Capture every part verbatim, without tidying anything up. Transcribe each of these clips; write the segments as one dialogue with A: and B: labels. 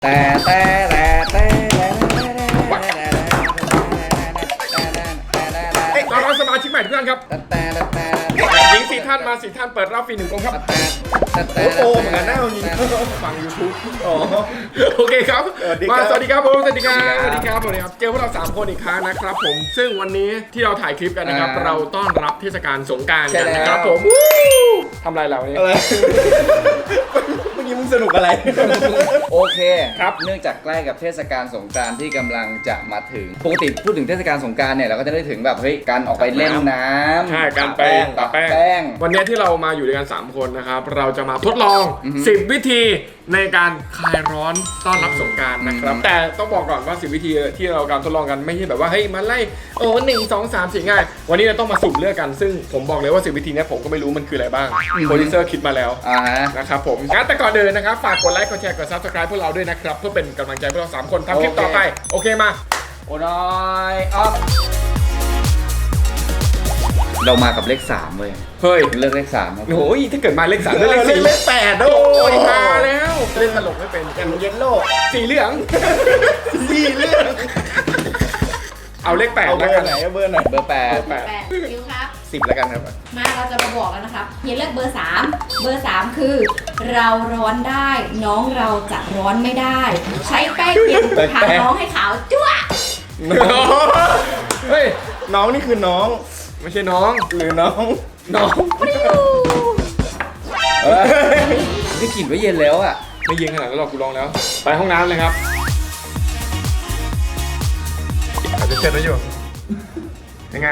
A: แต่แต่แต่แต่
B: ต้อนรับสมาชิกใหม่ทุกท่านครับ
A: แต่แต่
B: หญิงสี่ท่านมาสี่ท่านเปิดรับฟรีหนึ่งกองครับ
A: แต่
C: โอ้โหเหมือนกันหน้าจริง
B: ฟัง YouTube
C: อ๋อ
B: โอเคครับ
C: สวัสดีค
B: มา
C: รับ
B: สวัสดีครับผมสวัสดีครับสวัสดีครับสวัสดีครับเจอพวกเราสามคนอีกครั้งนะครับผมซึ่งวันนี้ที่เราถ่ายคลิปกันนะครับเราต้อนรับเทศกาลสงกรานต์กันนะครับผมทำอะไรเราเนี่ย
C: อะไรเมื่อกี้มึงสนุกอะไร
A: โอเค
B: ครับ
A: เนื่องจากใกล้กับเทศกาลสงกรานต์ที่กำลังจะมาถึงปกติพูดถึงเทศกาลสงกรานต์เนี่ยเราก็จะได้ถึงแบบเฮ้ยการออกไปเล่นน้ำ
B: ใช่การไป
A: ปะ
B: ปะแป้ง
A: แป้ง
B: วันนี้ที่เรามาอยู่ด้วยกันสามคนนะครับเราจะมาทดลอง
A: อือฮึ
B: สิบวิธีในการคลายร้อนต้อนรับสงกรานต์นะครับแต่ต้องบอกก่อนว่าสิบวิธีที่เราการทดลองกันไม่ใช่แบบว่าเฮ้ยมาไล่โอ้หนึ่งสองสามสี่ง่ายวันนี้เราต้องมาสุ่มเลือกกันซึ่งผมบอกเลยว่าสิบวิธีเนี้ยผมก็ไม่รู้มันคืออะไรบ้างโปรดิวเซอร์คิดมาแล้ว
A: อ่าฮะ
B: นะครับผมงั้นแต่ก่อนเดินนะครับฝากกดไลค์กดแชร์กด ซับสไครบ์ พวกเราด้วยนะครับเพื่อเป็นกำลังใจพวกเราสามคนทำคลิปต่อไปโอเคมา
A: โอ้น้อยอ๊อฟเรามากับเลขสามเว้ย
B: เฮ้ย
A: เลือกเลขสามครับ
B: โอ้ยถ้าเกิดมาเลขสามเลขสี่
C: เลขแปดโอ้
B: โอ้ย
C: ย
B: มาแล้วเล่นตลกไม่เป็น
C: อย่างเยลโล่
B: สีเหลือง
C: สี่เรื่อง
B: เอาเลขแปด
C: เอาเบ
B: แล้
C: อ
B: วกัน
C: ร์ไหนเอาเบอร์ไหน
A: เบอร์แปด
B: แปด
D: แปดคิวครับ
C: สิบแล้วกันครับ
D: มาเราจะมาบอกแล้วนะครับเฮียเลือกเบอร์สามเบอร์สามคือ เราร้อนได้ น้องเราจะร้อนไม่ได้ ใช้แป้งเย็นทาน้องให้ขาวจ้วะ
B: เฮ้ย
C: น้องนี่คือน้อง
B: ไม่ใช่น้อง
C: หรือน้อง
B: น้อง
A: นี่กลิ่นว่าเย็นแล้วอ่ะ
B: ไม่ยิงขนาดนั้นหรอกกูลองแล้ว ไปห้องน้ำเลยครับอาจจะเช็ดไว้อยู่ยังไง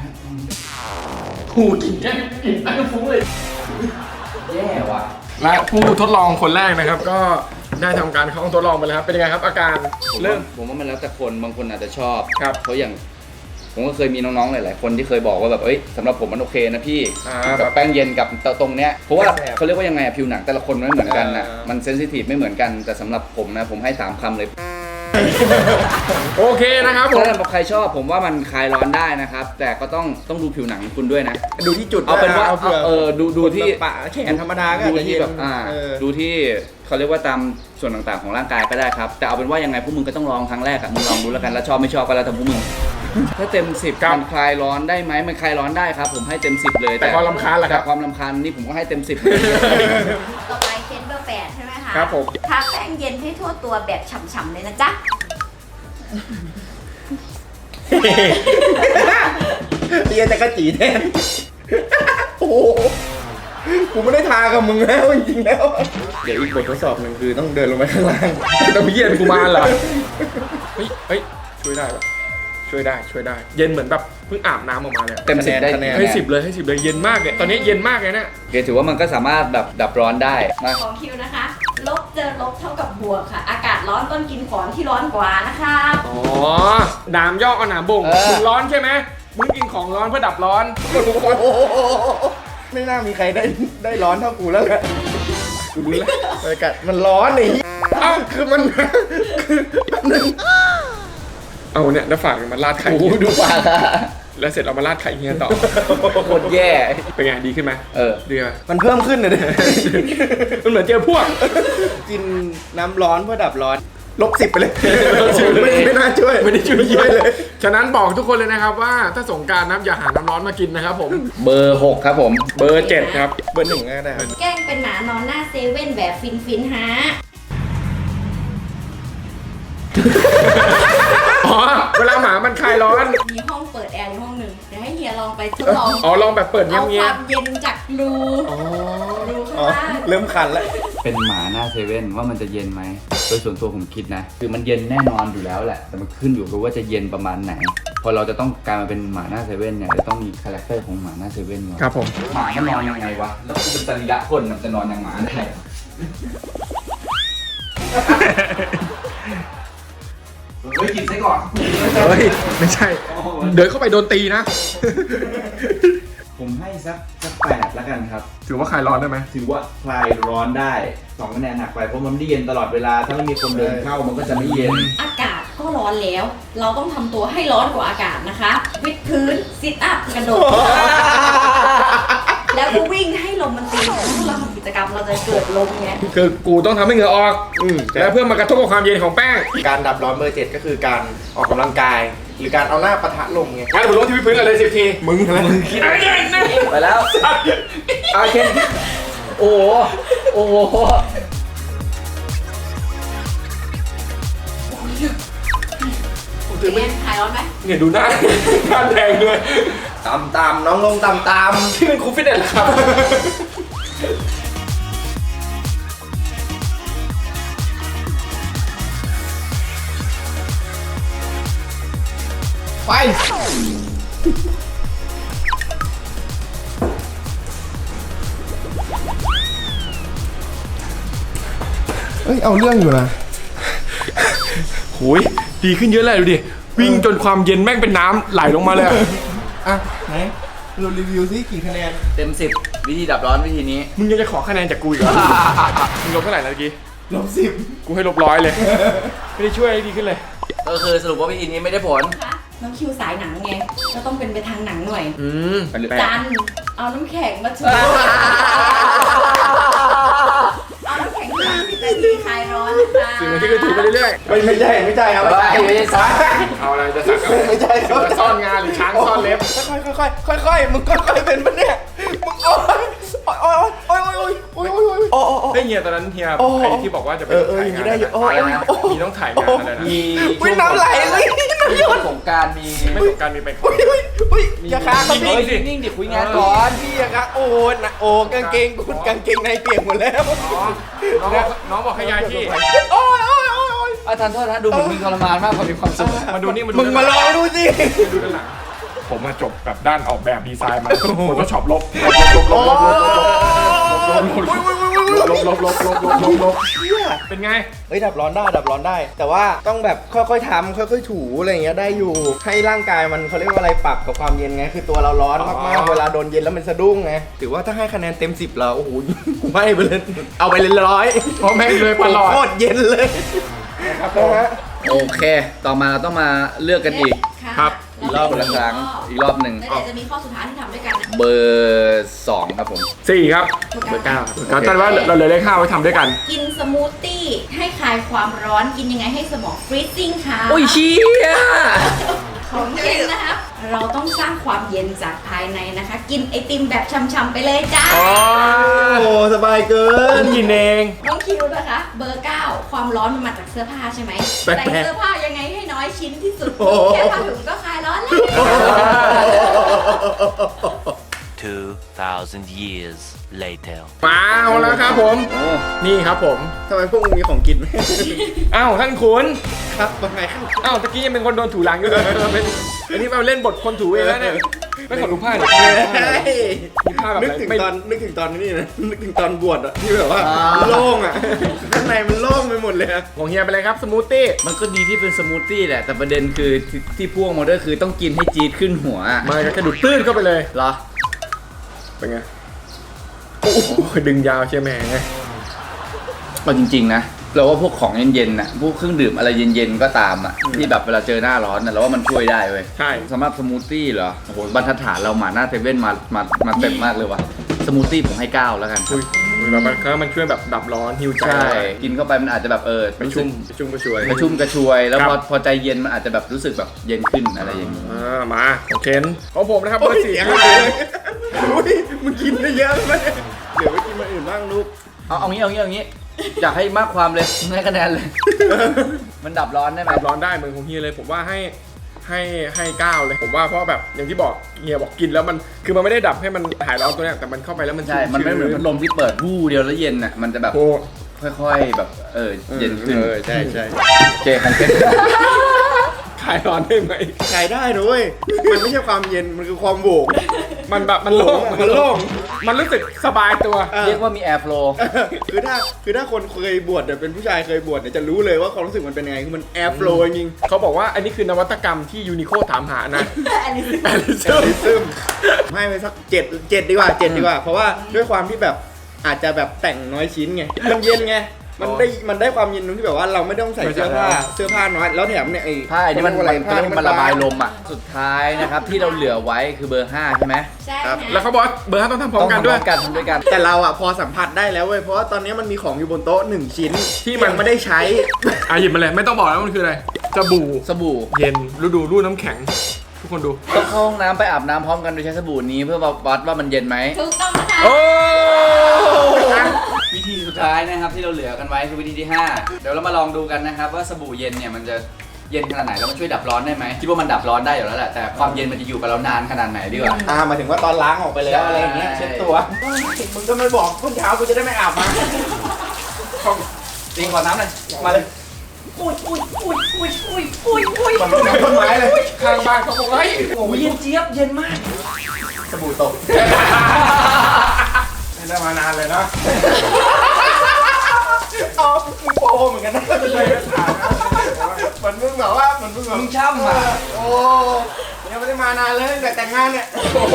B: หูกินแก้กลิ่นตั้งฟุ้งเลย
A: แย่ว่ะ
B: และผู้ทดลองคนแรกนะครับ ก็ได้ทำการเข้าห้องทดลองไปแล้วครับเป็นยังไงครับอาการ
A: ผม
B: เริ่
A: ว่าม ผมว่ามันแล้วแต่คนบางคนอาจจะชอบ
B: ครับ
A: เพราะอย่างผมก็เคยมีน้องๆหลายๆคนที่เคยบอกว่าแบบเอ้ยสำหรับผมมันโอเคนะพี่
B: อ่า
A: กับแป้งเย็นกับตรงเนี้ยเพราะว่า
C: แสบ
A: เขาเรียกว่ายังไงอะผิวหนังแต่ละคนมันไม่เหมือนกันนะ
C: อ่ามั
A: มันเซนซิทีฟไม่เหมือนกันแต่สำหรับผมนะผมให้สามคำเลย
B: โอเคนะครับผม
A: ถ้าสำหรับใครชอบผมว่ามันคลายร้อนได้นะครับแต่ก็ต้องต้องดูผิวหนังคุณด้วยนะ
C: ดูที่จุด
A: เอาเป็นว่า
C: เอาเผื่อ
A: เออดูดูที่
C: ปะแขนธรรมดาก็อาจ
A: ดู
C: จะ
A: ที่
C: เย็น
A: แบบอ่า
C: เออ
A: ดูที่เขาเรียกว่าตามส่วนต่างๆของร่างกายก็ได้ครับแต่เอาเป็นว่ายังไงพวกมึงก็ต้องลองครั้งแรกอะมึงลองดูแล้วกันแล้วชอบไม่ชอบก็แล้วแต่พวกมึงถ้าเต็มสิบ
B: ครับ
A: มันคลายร้อนได้ไหมมันคลายร้อนได้ครับผมให้เต็มสิบเลย
B: แต่ความรำคาญล่ะครับ
A: แต่ความรำคาญนี่ผมก็ให้เต็มสิบ
D: ต่อไปเคนเบอร์แปดใช่ไหมคะ
B: ครับผม
D: ทาแป้งเย็นให้ทั่วตัวแบบฉ่ำๆเลยนะจ๊ะ
C: เตียจะกระจีแทนโอ้โหกูไม่ได้ทากับมึงแล้วจริงๆแล้ว เดี๋ยวอีกบททดสอบหนึ่งคือต้องเดินลงไปข้างล่าง
B: ต้องเย็นกูมาเหรอเฮ้ยเฮ้ยช่วยได้ปะช่วยได้ช่วยได้ เย็นเหมือนแบบเพิ่งอาบน้ำออกมาเลย
A: เต็มสิบได้
C: คะแนน
B: ให้สิบเลยให้สิบเลยเย็นมากเลยตอนนี้เย็นมากเลยเนี่ย
A: โอเคถือว่ามันก็สามารถแบบดับร้อนได้นะ
D: ของคิวนะคะ ลบเจอลบเท่ากับบวกค่ะ อากาศร้อนต้นกินของที่ร้อนกว่านะคะ
B: อ๋อหนามยอกเอาหนามบ่งมึงร้อนใช่ไหมมึงกินของร้อนเพื่อดับร้อน
C: โอ้โหไม่น่ามีใครได้ได้ร้อนเท่ากูแล้วแหละกูรู้แล้วบรรยากาศมันร้อนนี่
B: เอ้าคือมันคือหนึ่งเอาเนี่ยแล้วฝากมันราดไข่
A: โอ้โหดูปากอะ
B: แล้วเสร็จเอามาราดไข่เฮียต่อ
A: โคตรแย่
B: เป็นไงดีขึ้นไหม
A: เออ
B: ดีไหม
C: มันเพิ่มขึ้นเลยเนี่ย
B: มันเหมือนเจอพวก
C: กินน้ำร้อนเพื่อดับร้อนลบสิบไปเลย
B: ลบสิบเลย
C: ไม่ไม่น่าช่วย
B: ไม่ได้ช่วยเยอะเลย ฉะนั้นบอกทุกคนเลยนะครับว่าถ้าสงกรารน้ำอย่าหาน้ำร้อนมากินนะครับผม
A: เบอร์หกครับผม
B: เบอร์เจ็ดครับ
C: เบอร์หนึ่งก็ได้ครับ
D: แกล้งเป็นหมานอนหน้าเซเว่นแบบฟินฟินๆฮะ
B: อ๋อ เวลาหมามันคลายร้อน
D: มีห้องเปิดแอร์ในห้องหนึ่งเดี๋ยวให้เฮียลองไปทดลอง
B: อ๋อ ลองแบบเปิดเงี
D: เอาค
B: ยว
D: ามเย็นจากรู
B: ๆอ๋อ
D: รูข้าง
C: อ๋อ
D: ล่าง
C: เริ่มคันแล้ว
A: เป็นหมาหน้าเซเว่นว่ามันจะเย็นไหมโดยส่วนตัวผมคิดนะ คือมันเย็นแน่นอนอยู่แล้วแหละ แต่มันขึ้นอยู่กับว่าจะเย็นประมาณไหน พอเราจะต้องการมาเป็นหมาหน้าเซเว่นเนี่ยจะต้องมีคาแรคเตอร์ของหมาหน้าเซเว่นก่อน
B: ครับผม
A: หมามันนอนยังไงวะ แล้วกูเป็นสรีระคนมันจะนอนอย่างหมาได้เฮ้ยกินซะก่อน
B: เฮ้ย ไม่ใช่ เดินเข้าไปโดนตีนะ
A: ผมให้สักสักแปดแล้วกันครับ
B: ถือว่าคลายร้อนได้ไหม
A: ถือว่าคลายร้อนได้สองคะแนนหักไปเพราะมันไม่ได้เย็นตลอดเวลา ถ้าไม่มีคนเดินเข้ามันก็จะไม่เย็น
D: อากาศก็ร้อนแล้ว เราต้องทำตัวให้ร้อนกว่าอากาศนะคะ วิดพื้น ซิทอัพ กระโดด แล้วก็วิ่งให้ลมมันตีถ้าเราทำกิจกรรมเราจะเกิดลมไง
B: คือกูต้องทำให้เหงื่อออก
C: อืม
B: แล้วเพื่อมากระทบกับความเย็นของแป้ง
C: การดับร้อนเบอร์เจ็ดก็คือการออกกำลังกาย หรือการเอาหน้าปะทะลมไง
B: งั้นผมลงที่พื้นกันเลยสิบที
C: มึงอะไร
A: ไปแล้วอาเคนโอ้โหโอ้โห
D: เป็นไงหายร้อนไหม
B: เนี่ยดูหน้า หน้าแดงด้วย
C: ตามตามน้องลงตามตาม
B: ที่เป็นครูฟิตเนสเหรอครับ
C: ไป เฮ้ย เอาเรื่องอยู่นะ
B: โหยดีขึ้นเยอะเลยดูดิ วิ่งจนความเย็นแม่งเป็นน้ำไหลลงมาเลยอะ
C: อ่ะ ไหนเรารีวิวซิกี่คะแนน
A: เต็มสิบวิธีดับร้อนวิธีนี้
B: มึงยังจะขอคะแนนจากกูอีกเหรอ มึงลบเท่าไหร่นะเมื่อกี้
C: ลบสิบ
B: กูให้ลบร้อยเลย ไม่ได้ช่วยให้ดีขึ้นเลย
A: ก็คือสรุปว่าวิธีนี้ไม่ได้ผล
D: คะน้องคิวสายหนังไงก็ต้องเป็นไปทางหนังหน่อย
B: อืม
D: จันเอาน้ำแข็งมาช่วย เอาน้ำแข็งมาสิบนาทีคลายร้อนนะคะ
B: สิ่งที่ก็ถูกไปเรื่อย
C: ไม่ไม่ใช่ ไม่ใช่ครับ
A: ไม่ใช่ไม่ใช่
B: ๆ เอาอะไรจะสั่งก็
C: ไม่ใช่ครับ
B: จะซ่อนงานหรือช้างซ่อนเล็บ
C: ค่อยค่อยค่อยค่อยค่อยๆมึงค่อยๆเป็นปะเนี่ย มึงโอ๊ยโอ๊ยโอ๊ยโอ๊ยโอ๊ยโอ๊ยโอ๊ยโอ๊ยโอ๊ยโอ๊ย
B: เฮ้ยเฮียตอนนั้นเฮีย
C: โอ้
B: ไอ้ที่บอกว่าจะไป
C: เออเอออย่างนี้ได้อยู่โอ้ย
B: ถ่ายงาน
C: โอ้ย
B: มีต้องถ่ายงานอะไรนะ
A: มี
C: อุ๊ยน้ำไหลเลย
A: มีช่วงสงกรารมี
B: ไม่สงกรารมีไปก่อ
C: อุ้
B: น
C: ยอุ้ยอุ้ยอย่าค้างครับ
A: เฮ้
C: พี่
A: ยนิ่งๆดิคุยงานก่อน
C: พี่อย่าค้างโอ้ยนะโอ้กางเกงกูกางเกงในเปียกหมดแล้ว
B: อ๋อน้องบอกน้องบอกให้ย้ายที่
C: โอ้ยโอ้ยโอ้ยโอ้ย
A: อาจารย์โทษนะดูเหมือนมีทรมานมากกว่ามีความสุข
B: มาดูนี่มาดู
C: มึงมาลองดูสิ
B: ดูด้านหลังผมมาจบแบบด้านออกแบบดีไซน์มาผมก็ชอบลบลบลบลบลบลบลบลบลบลบลบลบลบลบลบลบลบ
C: เชี่ย
B: เป็นไง
C: เฮ้ยดับร้อนได้ดับร้อนได้ แต่ว่าต้องแบบค่อยๆทำค่อยๆถูอะไรอย่างเงี้ยได้อยู่ให้ร่างกายมันเขาเรียกว่าอะไรปรับกับความเย็นไงคือตัวเราร้อนมากๆเวลาโดนเย็นแล้วมันสะดุ้งไงถือว่าถ้าให้คะแนนเต็มสิบเราโอ้โหกูให้ไปเลยเอาไปเลยร้อย
B: เพราะแม่งเลยตลอด
C: โคตรเย็นเลย
B: ครับผ
C: นะ
B: ม
C: ฮะ
A: โอเค ต่อมาเราต้องมาเลือกกันอีก
D: ะ
B: ครับ
A: อีกรอบละครั้งอีกรอบหนึ่ง
D: แล้วเดี๋ยวจะมีข้อสุดท้ายที่ทำด้วยกันนะ
A: เบอร์สองครับผม
B: สี่ครับเบอร์เก้าครับการตันว่าเราเลยเลขห้าไว้ทำด้วยกัน
D: กินสมูทตี้ให้คลายความร้อนกินยังไงให้สมองฟรีซิ่งค่ะ
A: โอ้ยเชี่ย
D: ของเย็นนะครับ เราต้องสร้างความเย็นจากภายในนะคะ กินไอติมแบบช่ำๆไปเลยจ้า
B: อ๋อ
C: โอ้สบายเกิน
B: กินเอง
D: น้องคิวนะคะ เบอร์เก้าความร้อนมันมาจากเสื้อผ้าใช่ไหม
B: แปลกๆ
D: ใส่เสื้อผ้ายังไงให้น้อยชิ้นที่สุด
C: โอ้โห
D: แค่ผ้าถุงก็คลายร้อนแล้ว
E: two thousand years later.
B: มาเอาแล้วครับผม
A: โอ้
B: นี่ครับผม
C: ทำไมพวกมึงมีของกินไหม
B: อ้าวท่านขุน
C: ครับว่าไงครับ
B: อ้าวตะกี้ยังเป็นคนโดนถูหลังอยู่เลยเป็นอันนี้มาเล่นบทคนถูเองแล้วเนี่ยไม่ขอดูผ้าหน่อยมีผ้าแบบ
C: นึก
B: ไหน
C: ถึง
B: ไม่
C: ตอนนึกถึงตอนนี้นะนึกถึงตอนบวชอะที่แบบว่าโล่งอะข้างในมันโล่งไปหมดเลยอะ
B: ของเฮียไปเลยครับสมูทตี้
A: มันก็ดีที่เป็นสมูทตี้แหละ แต่ประเด็นคือที่ที่พ่วงมาด้วยคือต้องกินให้จี๊ดขึ้นหัวอะ
B: มาก็กระดูดตื้นเข้าไปเลย
A: เหรอ
B: เป็นไงโอ้โหดึงยาวใช่ไหมไง
A: เอาจริงๆนะเราว่าพวกของเย็นๆน่ะพวกเครื่องดื่มอะไรเย็นๆก็ตามอ่ะที่แบบเวลาเจอหน้าร้อนน่ะเราว่ามันช่วยได้เว้ย
B: ใช่
A: สำหรับสมูทตี้เหรอโอ้โหบรรทัดฐานเราหมาหน้าเซเว่นมามามาเต็มมากเลยว่ะสมูทตี้ผมให้เก้าแล้วกัน
B: อุ้ยแบบมันมันช่วยแบบดับร้อนฮิวใจ
A: ใช่กินเข้าไปมันอาจจะแบบเออ
B: ไปชุ่มไปชุ่มไปช่วย
A: กระชุ่มกระชวยแล้ว
B: ครับ
A: พอพอใจเย็นมันอาจจะแบบรู้สึกแบบเย็นขึ้นอะไรอย่างนี้
B: อ่ามาโอเคของผมนะครับเบอร์สี่
C: เสียง
B: ครับ
C: หายเลยอุ้ยมึงกินได้เยอะไหมเดี๋ยวไปกินมาอื่นบ้างลูก
A: เอาเอางี้เอางี้เอางี้อยากให้มากความเลยให้คะแนนเลย มันดับร้อนได้ไหม
B: ดับร้อนได้เหมือนของเฮียเลยผมว่าให้ให้ให้เก้าเลยผมว่าเพราะแบบอย่างที่บอกเฮียบอกกินแล้วมันคือมันไม่ได้ดับให้มันหายร้อนตัวเนี้ยแต่มันเข้าไปแล้วมัน
A: ใช่ มันไม่เหมือนพัดลมที่เปิดวู้เดียวแล้วเย็นอ่ะมันจะแบบ
B: โอ้
A: ค่อยๆแบบเออเย็นขึ้น
C: เออใช่ใช่
A: โอเคของเคน
B: คลายร้อนได้ไหม
C: ขายได้ด้วยมันไม่ใช่ความเย็นมันคือความโหวก
B: มันแบบมันโล่ง
C: มันโล่ง
B: มันรู้สึกสบายตัว
A: เรียกว่ามีแอร์ฟลู
C: คือถ้าคือถ้าคนเคยบวชเนี่ยเป็นผู้ชายเคยบวชเนี่ยจะรู้เลยว่าความรู้สึกมันเป็นยังไงคือมันแอร์ฟลูจริง
B: เขาบอกว่าอันนี้คือนวัตกรรมที่ยูนิโคถามหานะ
D: อันนี้
B: แอลิ
C: ๆ
B: ซึม
C: ซึมให้ไปสักเจ็ดเจ็ดดีกว่าเจ็ดดีกว่า เพราะว่าด้วยความที่แบบอาจจะแบบแต่งน้อยชิ้นไงมันเย็นไงมันได้มันได้ความเย็นตรงที่แบบว่าเราไม่ต้องใส่เสื้อผ้าเสื้อผ้าน้อยแล้วแถมเนี่ยไอ้
A: ผ้าอันนี้มัน
C: เขา
A: มัน
C: เรียกว่า
A: เขา
C: อะไร
A: เรียกว่ามันระบายลมอ่ะสุดท้ายนะครับที่เราเหลือไว้คือเบอร์ห้าใช่ไหม
D: ใช่
C: ครับ
D: ฮะ
B: แล้วเขาบอกว่าเบอร์ห้าต้องทำพร้อมกันด้วย
A: ต้องทำพร้อมกันทำด้วยกัน
C: แต่เราอ่ะพอสัมผัสได้แล้วเว้ยเพราะว่าตอนนี้มันมีของอยู่บนโต๊ะหนึ่งชิ้น
B: ที่มัน
C: ยังไม่ได้ใช้
B: อ่ะหยิบมาเลยไม่ต้องบอกแล้วมันคืออะไรสบู่
A: สบู่
B: เย็นฤดูรูดน้ำแข็ง ทุกคนดู
A: ต้องเข้าห้องน้ำไปอาบน้ำพร้อมกันโดยใช้สบู่นี้เพื่อวัดว่ามันเย็นไหม
D: ถูกต้องนะคะ
B: โอ้
A: วิธีสุดท้ายนะครับที่เราเหลือกันไว้คือวิธีที่ห้าเดี๋ยวเรามาลองดูกันนะครับว่าสบู่เย็นเนี่ยมันจะเย็นขนาดไหนแล้วมันช่วยดับร้อนได้ไหมคิดว่ามันดับร้อนได้อยู่แล้วแหละแต่ความเย็นมันจะอยู่กับเรานานขนาดไหนดีกว่า
C: อ่าหมายถึงว่าตอนล้างออกไปแล้
A: ใช่
C: วอะไรอย่างเงี้ยเช็ดตัวมึงก็ไม่บอกพรุ่งเช้ากูจะได้ไม่อาบมา
A: จริงขอน้ำหน่อยมาเลย
D: อุ้ยอุ้ยอุ้ยอุ้ยอุ้ยอุ้ยอุ้ย
C: มันเป็นต้นไม้เลย
B: ข้างบ้านเขาบอกเฮ้ย
A: โอ้ยเย็นเจี๊ยบเย็นมาก
C: สบู่ตก
B: ไม่ได้มานานเลยนะ
C: เอามึงโปเหมือนกันนะเหมือนมึงแบบว่าเหมือนมึงแบบ
A: มึงช่ำอ่ะ
C: โอ้ยังไม่ได้มานานเลยตั้งแต่แต่งงานเนี่ย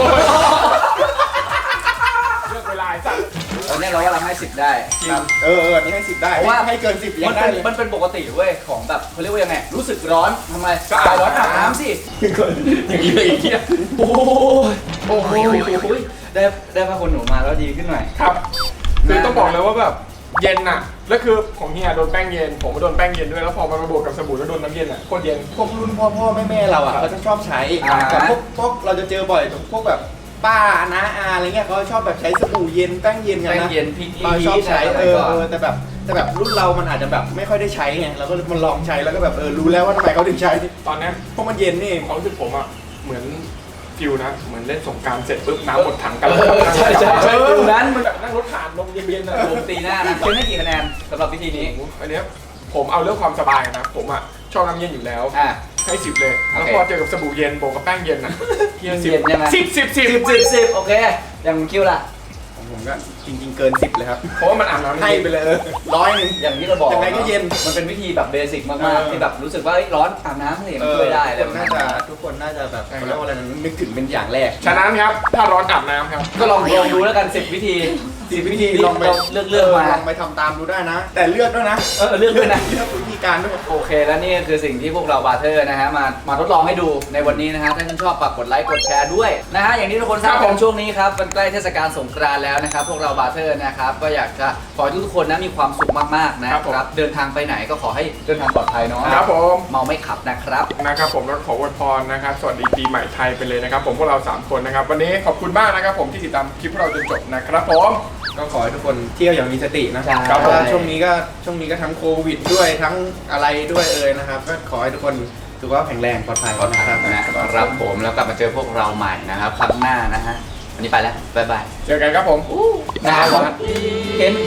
B: เลือกเวลาไอ้สัตว์
A: ตอนนี้เรากำลังให้สิบได้ครับ
C: เออเอออันนี้ให้สิบได้
A: เพราะว่า
C: ให้เกินสิบยั
A: มั
C: ง
A: น
C: ได้
A: เป็น
C: เลย
A: มันเป็นปกติเว้ยของแบบเขาเรียกว่ายังไงรู้สึกร้อนทำไมก็อาบร้อนอาบน้ำสิอย่างนี้เลยอีกทีโอ้ยโอ้โหได้ได้ผ้าขนหนูมาแล้วดีขึ้นหน่อย
B: ครับคือต้องบอกเลยว่าแบบเย็นน่ะแล้วคือของเฮียโดนแป้งเย็นผมก็โดนแป้งเย็นด้วยแล้วพอมันมาบวกกับสบู่แล้วโดนน้ำเย็นอ่ะโคตรเย็น
C: พวกรุ่นพ่อพ่อแม่แม่เราอ่ะเขาจะชอบใช้
A: อ่า
C: แต่พวกพวกเราจะเจอบ่อยพวกแบบป้าน้าอาอะไรเงี้ยเขาชอบแบบใช้สบู่เย็นแป้งเย็นกัน
A: แป้ง
C: นะ
A: เย็นพริก
C: เราชอบใช้
A: อะไร
C: เออ
A: ก่อน
C: เออแต่แบบแต่แบบรุ่นเรามันอาจจะแบบไม่ค่อยได้ใช้ไงเราก็มันลองใช้แล้วก็แบบเออรู้แล้วว่าทำไมเขาถึงใช้
B: ตอนเนี้ย
C: เพราะมันเย็นนี่เอง
B: ความรู้สึกผมอ่ะเหมือนฟิวนะเหมือนเล่นสงกรารเสร็จปุ๊บน้ำหมดถังกัน
A: เออใช่ใช่ใช่ฟิวนั้น
B: มันแบบนั่งรถผ่านลมเย็นๆอ่ะ
A: ลมตีหน้านะเกินให้กี่คะแนนสำหรับวิธีนี้
B: อันเนี้ยผมเอาเรื่องความสบายนะผมอ่ะชอบน้ำเย็นอยู่แล้ว
A: อ่ะ
B: ให้สิบเลย แล้ว
A: โอเค
B: พอเจอกับสบู่เย็นโบวกกับแป้งเย็นอ่ะเฮียสิบ
A: เย็นใช่ไหม
B: สิบสิบสิบ
A: สิบสิบสิบโอเคอย่างคิวล่ะ
C: ของผมก็จริงๆเกินสิบเลยครับ
B: เพราะว่ามันอาบน้ำ
C: ให้ไปเลยเออร้อยหนึ่ง
A: อย่างที่เราบอก
C: ยังไงก็เย็น
A: มันเป็นวิธีแบบเบสิกมาก
C: เออ
A: ๆที่แบบรู้สึกว่าเอ้ยร้อนอาบน้ำเลยมันช่วยได้
C: ทุกคนน่าจะทุกคนน่าจะแบบเขาเรียกว่าอะไรนะนึกถึงเป็นอย่างแรก
B: ฉะนั้นครับถ้าร้อนอาบน้ำครับ
A: ก็ลองลองดูแล้วกันสิบวิธี
C: สิบวิธีลองไป
A: เลือกเลือกมา
C: ลองไปทำตามดูได้นะ แต่เลือกด้วยนะ
A: เออเลือกด้วยนะ
C: เลือกวิธีการด้วย
A: โอเคแล้วนี่คือสิ่งที่พวกเราบาร์เทอร์นะฮะมามาทดลองให้ดูในวันนี้นะฮะถ้าท่านชอบฝากกดไลค์กดแชร์ด้วยนะฮะอย่างที่ทุกคนทราบ
B: ครับ
A: กั
B: ผม
A: นช่วงนี้ครับมันใกล้เทศกาลสงกรานต์แล้วนะครับพวกเราบาร์เทอร์นะครับก็อยากจะขอให้ทุกๆคนนะมีความสุขมากๆนะครับเดินทางไปไหนก็ขอให้เดินทางปลอดภัยเนาะ
B: ครับผม
A: เมาไม่ขับนะครับ
B: นะครับผมแล้วขออวยพรนะครับสวัสดีปีใหม่ไทยไปเลยนะครับผมพวกเราสามคนนะครับวันนี้ขอบคุณมากนะครับผมที่ติดตามคลิปพวกเราจนจบนะครับผม
C: ก็ขอให้ทุกคนเที่ยวอย่างมีสตินะ
A: ใช่
C: เพราะว่าช่วงนี้ก็ช่วงนี้ก็ทั้งโควิดด้วยทั้งอะไรด้วยเอ่ยนะครับ ก็ขอให้ทุกคนสุขภาพแข็งแรงปลอดภัย
A: ขอ
C: นะ
A: ถา
C: ครั
A: ม
C: บ
A: นะครับผมแล้วกลับมาเจอพวกเราใหม่นะครับครั้งหน้านะฮะวันนี้ไปแล้วบ๊ายบาย
B: เจอกันครับผม
A: นะครับผมเห็น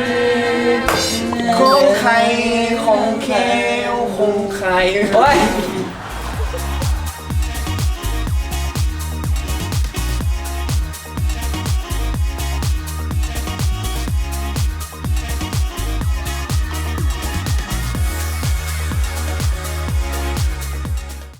C: คงใครคงแควคงใคร
A: โอ้ย